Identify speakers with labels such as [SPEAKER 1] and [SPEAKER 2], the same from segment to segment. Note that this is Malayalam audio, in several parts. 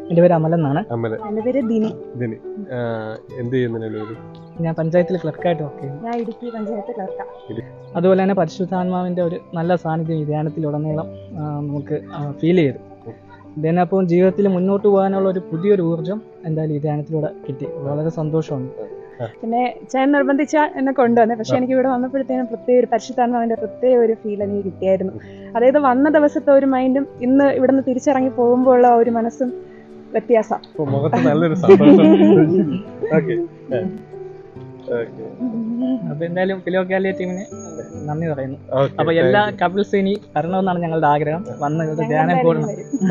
[SPEAKER 1] എൻ്റെ പേര് അമൽ എന്നാണ്.
[SPEAKER 2] എൻ്റെ പേര് ദിനി.
[SPEAKER 3] എന്ത് ചെയ്യുന്നതിന്?
[SPEAKER 1] ഞാൻ പഞ്ചായത്തിൽ ക്ലർക്കായിട്ട് വർക്ക് ചെയ്യുന്നു.
[SPEAKER 2] ഞാൻ ഇടുക്കി പഞ്ചായത്ത് ക്ലർക്കാണ്.
[SPEAKER 1] അതുപോലെ തന്നെ പരിശുദ്ധാത്മാവിൻ്റെ ഒരു നല്ല സാന്നിധ്യം ഈ ധ്യാനത്തിലുടനീളം നമുക്ക് ഫീൽ ചെയ്തു. ഇതിനപ്പം ജീവിതത്തിൽ മുന്നോട്ട് പോകാനുള്ള ഒരു പുതിയൊരു ഊർജ്ജം എന്തായാലും ഈ ധ്യാനത്തിലൂടെ കിട്ടി. വളരെ സന്തോഷമുണ്ട്.
[SPEAKER 2] പിന്നെ ചേട്ടൻ നിർബന്ധിച്ച എന്നെ കൊണ്ടുവന്നെ. പക്ഷെ എനിക്ക് ഇവിടെ വന്നപ്പോഴത്തേനും പ്രത്യേക ഒരു പരിശുദ്ധാത്മാവിൻ്റെ പ്രത്യേക ഒരു ഫീൽ എനിക്ക് കിട്ടിയായിരുന്നു. അതായത് വന്ന ദിവസത്തെ ഒരു മൈൻഡും ഇന്ന് ഇവിടെ നിന്ന് തിരിച്ചിറങ്ങി പോകുമ്പോൾ ഉള്ള ഒരു മനസ്സും വ്യത്യാസം.
[SPEAKER 1] അപ്പൊ എന്തായാലും ഫിലോക്കാലിയ ടീമിന് നന്ദി പറയുന്നു. അപ്പൊ എല്ലാ കപ്പിൾസ് ഇനി വരണമെന്നാണ് ഞങ്ങളുടെ ആഗ്രഹം. വന്ന് ധ്യാനം കൂടണം.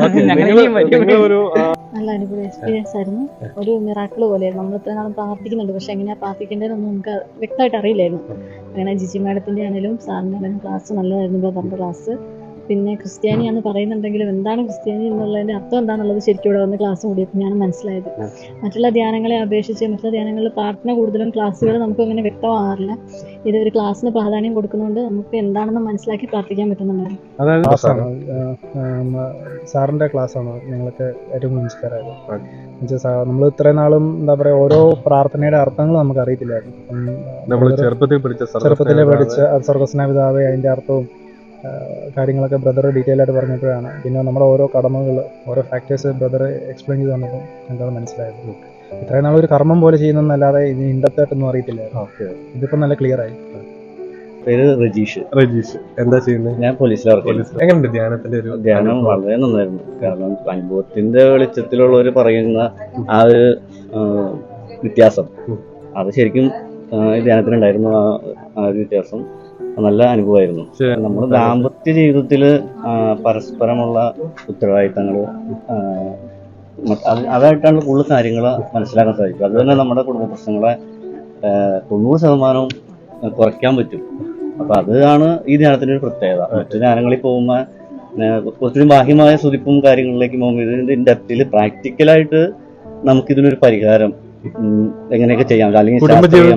[SPEAKER 4] നല്ല അനുഭവ എക്സ്പീരിയൻസ് ആയിരുന്നു. ഒരു മിറാക്കിൾ പോലെയായിരുന്നു. നമ്മൾ ഇത്ര നാളും പ്രാർത്ഥിക്കുന്നുണ്ട്, പക്ഷെ എങ്ങനെയാ പ്രാർത്ഥിക്കേണ്ടതെന്നൊന്നും നമുക്ക് വ്യക്തമായിട്ട് അറിയില്ലായിരുന്നു. അങ്ങനെ ജിജി മാഡത്തിൻ്റെ ആണെങ്കിലും സാറിൻ്റെ ആണെങ്കിലും ക്ലാസ് നല്ലതായിരുന്നു. ബ്രദറിൻ്റെ ക്ലാസ്. പിന്നെ ക്രിസ്ത്യാനിയാണെന്ന് പറയുന്നുണ്ടെങ്കിലും എന്താണ് ക്രിസ്ത്യാനി എന്നുള്ളതിൻ്റെ അർത്ഥം എന്താണെന്നുള്ളത് ശരിക്കും ഇവിടെ വന്ന് ക്ലാസ് കൂടിയപ്പോൾ ഞാൻ മനസ്സിലായത്. മറ്റുള്ള ധ്യാനങ്ങളെ അപേക്ഷിച്ച് മറ്റുള്ള ധ്യാനങ്ങളിൽ പ്രാർത്ഥന കൂടുതലും ക്ലാസ്സുകൾ നമുക്ക് അങ്ങനെ വ്യക്തമാകാറില്ല. ഇത് ഒരു ക്ലാസ്സിന് പ്രാധാന്യം കൊടുക്കുന്നതുകൊണ്ട് നമുക്ക് എന്താണെന്ന് മനസ്സിലാക്കി പ്രാർത്ഥിക്കാൻ പറ്റുന്നുണ്ടായിരുന്നു.
[SPEAKER 5] സാറിൻ്റെ ക്ലാസ്സാണ് ഞങ്ങൾക്ക് ഏറ്റവും ഇൻസ്പയർ ആയത്. നമ്മൾ ഇത്രയും നാളും എന്താ പറയുക, ഓരോ പ്രാർത്ഥനയുടെ അർത്ഥങ്ങൾ നമുക്ക് അറിയത്തില്ലായിരുന്നു. ചെറുപ്പത്തിലെ പഠിച്ച സ്വർഗസ്നാപിതാവേ അതിൻ്റെ അർത്ഥവും കാര്യങ്ങളൊക്കെ ബ്രദർ ഡീറ്റെയിൽ ആയിട്ട് പറഞ്ഞപ്പോഴാണ് പിന്നെ നമ്മുടെ ഓരോ കടമകൾ, ഓരോ ഫാക്ടേഴ്സ് ബ്രദർ എക്സ്പ്ലെയിൻ ചെയ്ത് തന്നപ്പോൾ ഞങ്ങൾക്ക് മനസ്സിലായത്. ഇത്രയും നാൾ ഒരു കർമ്മം പോലെ ചെയ്യുന്നതല്ലാതെ ഇത് ഇൻഡെപ്തായിട്ടൊന്നും അറിയത്തില്ലായിരുന്നു. ഇതിപ്പോൾ നല്ല ക്ലിയർ ആയി.
[SPEAKER 6] പേര് രജീഷ്.
[SPEAKER 3] എന്താ ചെയ്യുന്നത്?
[SPEAKER 6] ഞാൻ പോലീസിലാണ്.
[SPEAKER 3] എങ്ങനെയുണ്ട് ധ്യാനത്തിന്റെ ഒരു
[SPEAKER 6] ധ്യാനം? വളരെ നന്നായിരുന്നു. കാരണം അനുഭവത്തിന്റെ വെളിച്ചത്തിലുള്ളവർ പറയുന്ന ആ ഒരു വ്യത്യാസം അത് ശരിക്കും ധ്യാനത്തിനുണ്ടായിരുന്നു. ആ ഒരു വ്യത്യാസം നല്ല അനുഭവമായിരുന്നു. നമ്മൾ ദാമ്പത്യ ജീവിതത്തില് പരസ്പരമുള്ള ഉത്തരവാദിത്തങ്ങൾ അതായിട്ടാണ് കൂടുതൽ കാര്യങ്ങൾ മനസ്സിലാക്കാൻ സാധിക്കും. അത് തന്നെ നമ്മുടെ കുടുംബ പ്രശ്നങ്ങളെ 90% കുറയ്ക്കാൻ പറ്റും. അപ്പൊ അതാണ് ഈ ധ്യാനത്തിന്റെ ഒരു പ്രത്യേകത. മറ്റു ധ്യാനങ്ങളിൽ പോകുമ്പോൾ കുറച്ചുകൂടി ബാഹ്യമായ സുതിപ്പും കാര്യങ്ങളിലേക്ക് പോകുമ്പോൾ ഇതിന്റെ ഡെപ്തിൽ പ്രാക്ടിക്കലായിട്ട് നമുക്കിതിനൊരു പരിഹാരം എങ്ങനെയൊക്കെ ചെയ്യാൻ പറ്റും, അല്ലെങ്കിൽ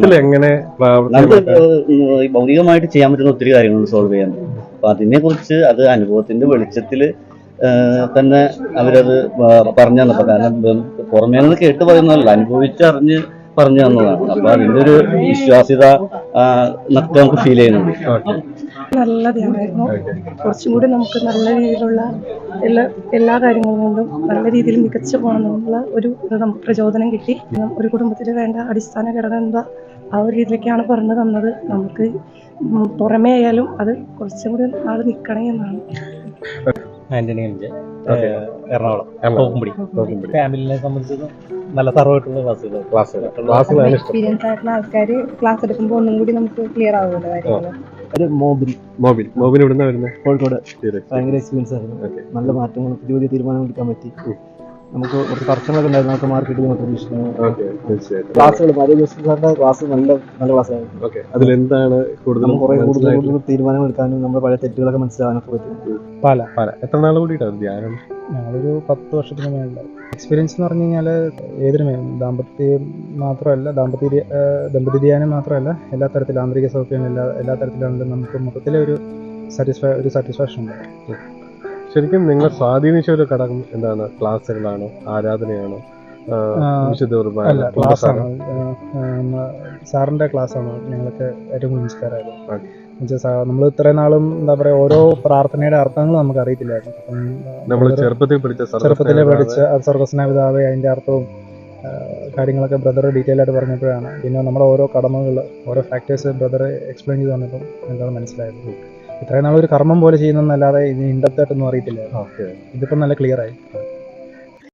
[SPEAKER 6] നമുക്ക് ഭൗതികമായിട്ട് ചെയ്യാൻ പറ്റുന്ന ഒത്തിരി കാര്യങ്ങളുണ്ട് സോൾവ് ചെയ്യാൻ. അപ്പൊ അതിനെ കുറിച്ച് അത് അനുഭവത്തിന്റെ വെളിച്ചത്തിൽ തന്നെ അവരത് പറഞ്ഞു തന്നപ്പോ, കാരണം പുറമേ നിന്ന് കേട്ട് പറയുന്നതല്ല, അനുഭവിച്ചറിഞ്ഞ് പറഞ്ഞു തന്നതാണ്. അപ്പൊ അതിന്റെ ഒരു വിശ്വാസ്യത നമുക്ക് ഫീൽ ചെയ്യുന്നുണ്ട്.
[SPEAKER 2] നല്ല ധ്യാനമായിരുന്നു. കുറച്ചും കൂടി നമുക്ക് നല്ല രീതിയിലുള്ള എല്ലാ കാര്യങ്ങളും കൊണ്ടും നല്ല രീതിയിൽ മികച്ചു പോകണമെന്നുള്ള ഒരു നമുക്ക് പ്രചോദനം കിട്ടി. ഒരു കുടുംബത്തിന് വേണ്ട അടിസ്ഥാന ഘടകം എന്താ ആ ഒരു രീതിയിലേക്കാണ് പറഞ്ഞു തന്നത്. നമുക്ക് പുറമേ ആയാലും അത് കുറച്ചും കൂടി നാൾ നിൽക്കണേ എന്നാണ്.
[SPEAKER 7] ആന്റണി എറണാകുളം ഫാമിലിനെ സംബന്ധിച്ച് നല്ല സർവ്വമായിട്ടുള്ള ക്ലാസ്സുകൾ.
[SPEAKER 2] എക്സ്പീരിയൻസ് ആയിട്ടുള്ള ആൾക്കാർ ക്ലാസ് എടുക്കുമ്പോൾ ഒന്നും കൂടി നമുക്ക് ക്ലിയർ ആവുമല്ലോ കാര്യങ്ങൾ.
[SPEAKER 3] മോബിൻ ഇവിടുന്ന് വരുന്നത്
[SPEAKER 7] കോഴിക്കോട്. ഭയങ്കര എക്സ്പീരിയൻസ് ആയിരുന്നു. നല്ല മാറ്റങ്ങൾ, പുതിയ പുതിയ തീരുമാനങ്ങൾ എടുക്കാൻ പറ്റി. നമുക്ക് കുറച്ച് തർക്കങ്ങളൊക്കെ ഉണ്ടായിരുന്നു, നമുക്ക് മാർക്ക് കിട്ടി നമുക്ക് പ്രതീക്ഷിക്കുന്നു. ക്ലാസ്സുകൾ സാറിന്റെ ക്ലാസ് നല്ല ക്ലാസ്സായിരുന്നു.
[SPEAKER 3] അതിലെന്താണ് കൂടുതൽ
[SPEAKER 7] തീരുമാനങ്ങൾ എടുക്കാനും നമ്മുടെ പഴയ തെറ്റുകളൊക്കെ മനസ്സിലാകാനൊക്കെ പറ്റും.
[SPEAKER 5] പാല
[SPEAKER 3] എത്ര നാൾ കൂടിയിട്ടാണ് ധ്യാനം?
[SPEAKER 5] ഞങ്ങളൊരു 10 വർഷത്തിന് മേളിൽ എക്സ്പീരിയൻസ് എന്ന് പറഞ്ഞു കഴിഞ്ഞാൽ ഏതൊരു ദാമ്പത്യം മാത്രമല്ല, ദമ്പതി ധ്യാനം മാത്രമല്ല, എല്ലാ തരത്തിലും ആന്തരിക സൗഖ്യം എല്ലാ തരത്തിലാണെങ്കിലും നമുക്ക് മൊത്തത്തിലൊരു സാറ്റിസ്ഫാക്ഷൻ ഉണ്ട്.
[SPEAKER 3] ശരിക്കും നിങ്ങളെ സ്വാധീനിച്ച ഒരു ഘടകം എന്താണ്? ക്ലാസ്സുകളാണോ, ആരാധനയാണോ,
[SPEAKER 5] അല്ല ക്ലാസ്സാണ്? സാറിൻ്റെ ക്ലാസ്സാണ് ഞങ്ങൾക്ക് ഏറ്റവും ഇൻസ്പയർ ആയത്. നമ്മൾ ഇത്രയും നാളും എന്താ പറയുക, ഓരോ പ്രാർത്ഥനയുടെ അർത്ഥങ്ങൾ നമുക്ക് അറിയത്തില്ലായിരുന്നു. ചെറുപ്പത്തിലെ പഠിച്ച സ്വർഗസ്നാപിതാവേ അതിൻ്റെ അർത്ഥവും കാര്യങ്ങളൊക്കെ ബ്രദർ ഡീറ്റെയിൽ ആയിട്ട് പറഞ്ഞപ്പോഴാണ് പിന്നെ നമ്മുടെ ഓരോ കടമകൾ, ഓരോ ഫാക്ടേഴ്സ് ബ്രദർ എക്സ്പ്ലെയിൻ ചെയ്ത് തന്നപ്പോൾ ഞങ്ങൾക്ക് മനസ്സിലായത്. ഇത്രയും നാൾ ഒരു കർമ്മം പോലെ ചെയ്യുന്നതല്ലാതെ ഇത് ഇൻഡെപ്തായിട്ടൊന്നും അറിയത്തില്ലായിരുന്നു. ഇതിപ്പോൾ നല്ല ക്ലിയർ ആയി.